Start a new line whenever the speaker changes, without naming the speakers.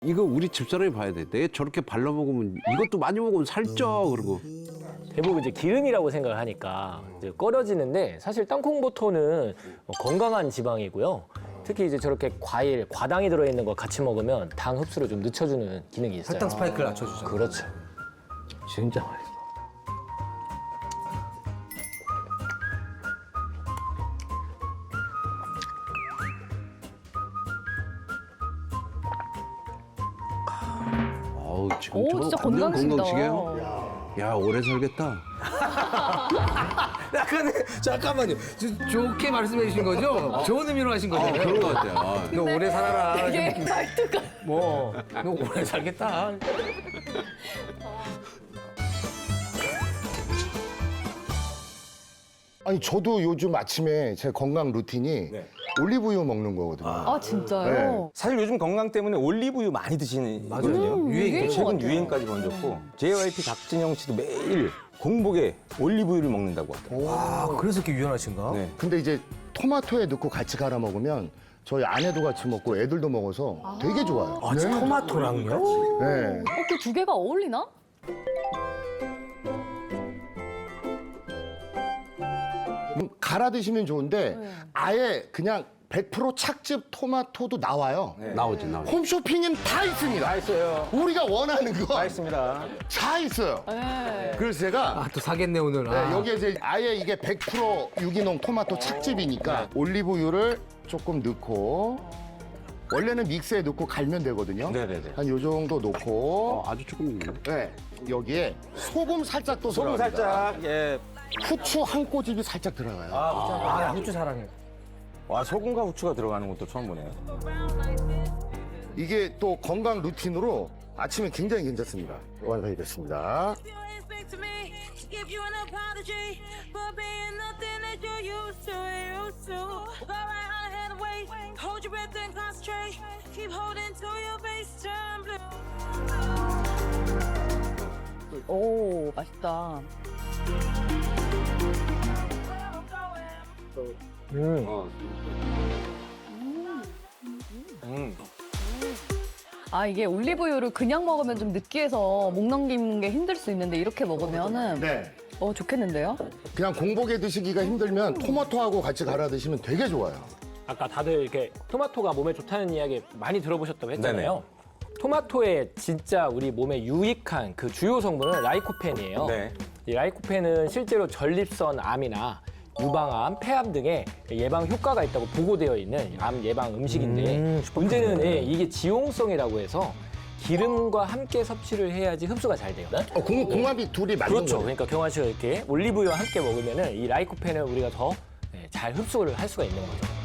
이거 우리 집사람이 봐야 돼. 내 저렇게 발라 먹으면 이것도 많이 먹으면 살쪄 그러고.
대부분 이제 기름이라고 생각을 하니까 이제 꺼려지는데 사실 땅콩버터는 건강한 지방이고요. 특히 이제 저렇게 과일, 과당이 들어있는 거 같이 먹으면 당 흡수를 좀 늦춰주는 기능이 있어요.
혈당 스파이크를 낮춰주죠.
그렇죠. 진짜 맛있어.
어우 지금
오,
저
진짜
완전
건강하시다.
건강식이에요. 야 오래 살겠다.
약간 잠깐만요. 좋게 말씀해 주신 거죠? 좋은 의미로 하신 거잖아요.
그런 것 같아요. 아.
너 오래 살아라.
되게 말투가.
뭐, 너 오래 살겠다.
아니 저도 요즘 아침에 제 건강 루틴이 올리브유 먹는 거거든요.
아, 진짜요?
사실 요즘 건강 때문에 올리브유 많이 드시는 거거든요.
유행인 것
최근
같아요.
유행까지 번졌고 JYP 박진영 씨도 매일 공복에 올리브유를 먹는다고 하더라고요.
아, 그래서 이렇게 유연하신가?
네.
근데 이제 토마토에 넣고 같이 갈아 먹으면 저희 아내도 같이 먹고 애들도 먹어서 되게 좋아요.
아, 토마토랑요?
네.
그 두 개가 어울리나?
갈아 드시면 좋은데 아예 그냥 100% 착즙 토마토도 나와요.
나오지.
홈쇼핑엔 다 있습니다.
다 있어요.
우리가 원하는 거
다
다
있습니다.
있어요.
네.
그래서 제가
아, 또 사겠네, 오늘.
네,
아.
여기에 이제 아예 이게 100% 유기농 토마토 착즙이니까 올리브유를 조금 넣고 원래는 믹스에 넣고 갈면 되거든요.
네네네.
한 요 정도 넣고
아주 조금 있네.
네, 여기에 소금 살짝 또
소금
들어갑니다.
살짝, 예.
후추 한 꼬집이 살짝 들어가요.
아, 나 후추 사랑해.
와, 소금과 후추가 들어가는 것도 처음 보네요.
이게 또 건강 루틴으로 아침에 굉장히 괜찮습니다. 완성이 됐습니다.
You expect me, give you an apology for being nothing that you're used to. Go right on ahead and wait. Hold your breath and concentrate. Keep holding to your base, turn blue.
오, 맛있다. 아, 이게 올리브유를 그냥 먹으면 좀 느끼해서 목 넘기는 게 힘들 수 있는데 이렇게 먹으면은
네.
좋겠는데요?
그냥 공복에 드시기가 힘들면 토마토하고 같이 갈아 드시면 되게 좋아요.
아까 다들 이렇게 토마토가 몸에 좋다는 이야기 많이 들어보셨다고 했잖아요. 토마토의 진짜 우리 몸에 유익한 그 주요 성분은 라이코펜이에요.
네.
이 라이코펜은 실제로 전립선 암이나 유방암, 폐암 등의 예방 효과가 있다고 보고되어 있는 암 예방 음식인데 문제는 이게 지용성이라고 해서 기름과 함께 섭취를 해야지 흡수가 잘 돼요.
궁합이 둘이 맞는
그렇죠.
거예요.
그러니까 경환 씨가 이렇게 올리브유와 함께 먹으면은 이 라이코펜을 우리가 더 잘 흡수를 할 수가 있는 거죠.